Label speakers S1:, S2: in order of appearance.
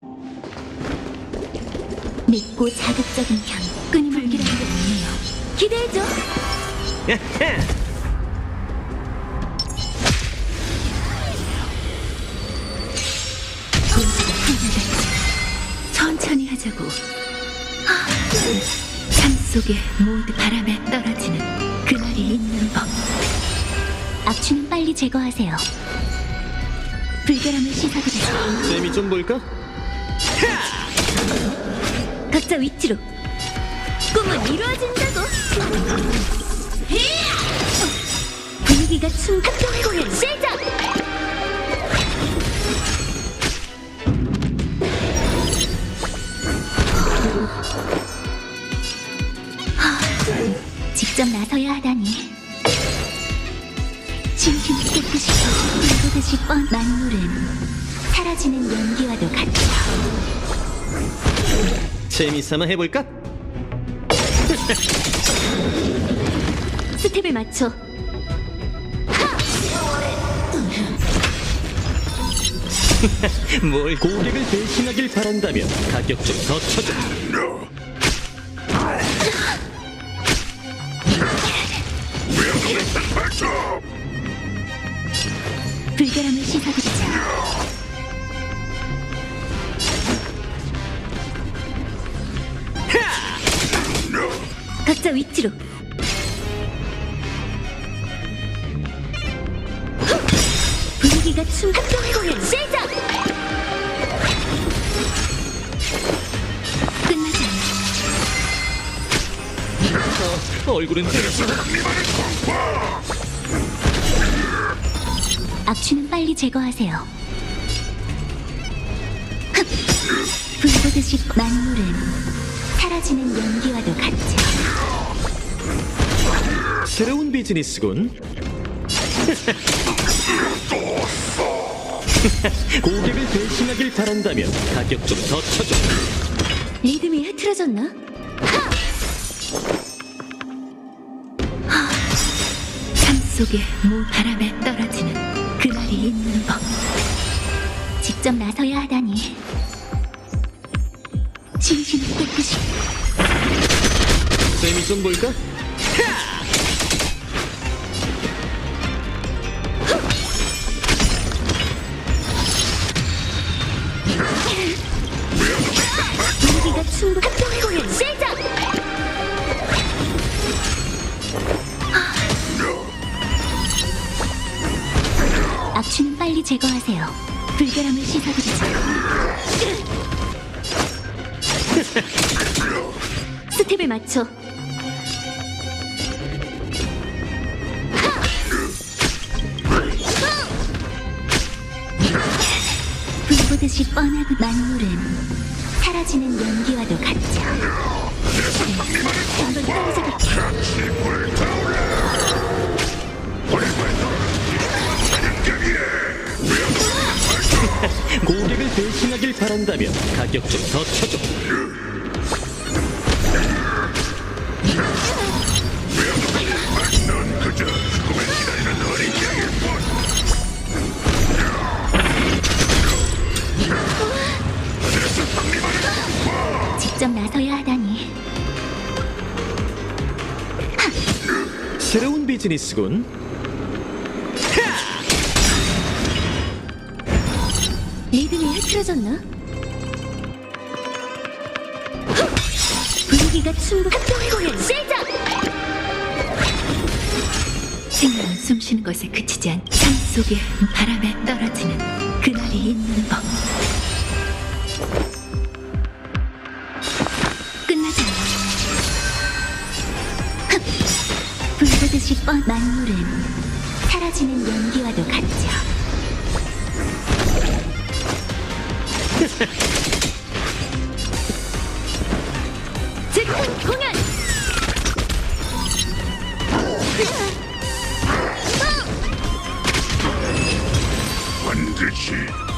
S1: 밉고 자극적인 향, 끊임불기라는 게 있네요. 기대해줘. 분수가 풍부했지. 천천히 하자고. 삶 속에 모두 바람에 떨어지는 그날이 있는 법. 악취는 빨리 제거하세요. 불결함을 씻어드리죠.
S2: 재미 좀 볼까?
S1: 각자 위치로. 꿈은 이루어진다고. 분위기가 합동 공연 시작. 직접 나서야 하다니. 진심이 깨끗이 불보듯이 뻔. 만물은 사라지는 연기와도 같죠.
S2: 재미삼아 해볼까?
S1: 스텝을 맞춰.
S2: 뭘 고객을 대신하길 바란다면 가격 좀 더 쳐줘.
S1: 불결함을 씻어드리자. 각자 위치로. 분위기가 합동 공연 시작. 끝나지 않아.
S2: 얼굴은
S1: 악취는 빨리 제거하세요. 불보듯이 만물은 사라지는 연기와도 같죠.
S2: 새로운 비즈니스군. 고객을 대신하길 바란다면 가격 좀 더 쳐줘.
S1: 리듬이 흐트러졌나? 삶 속에 바람에 떨어지는 그날이 있는 법. 직접 나서야 하다니. 진심을 깨끗이.
S2: 재미 좀 볼까?
S1: 분위기가 합동 공연 시작. 악취는 빨리 제거하세요. 불결함을 씻어드리죠. 스텝을 맞춰. 불보듯이 뻔하고 만물은 사라지는 연기와도 같죠. 한번 따라잡을게.
S2: 고객을 대신하길 바란다면 가격 좀 더 쳐줘.
S1: 직접 나서야 하다니.
S2: 새로운 비즈니스군.
S1: 리듬이 흐트러졌나? 분위기가 합동 공연 시작. 생명은 숨쉬는 것에 그치지 않. 삶 속에 바람에 떨어지는 그날이 있는 법. 끝나지 않아. 불보듯이 만물은 사라지는 연기와도 같죠. 즉흥 공연.
S3: 반드시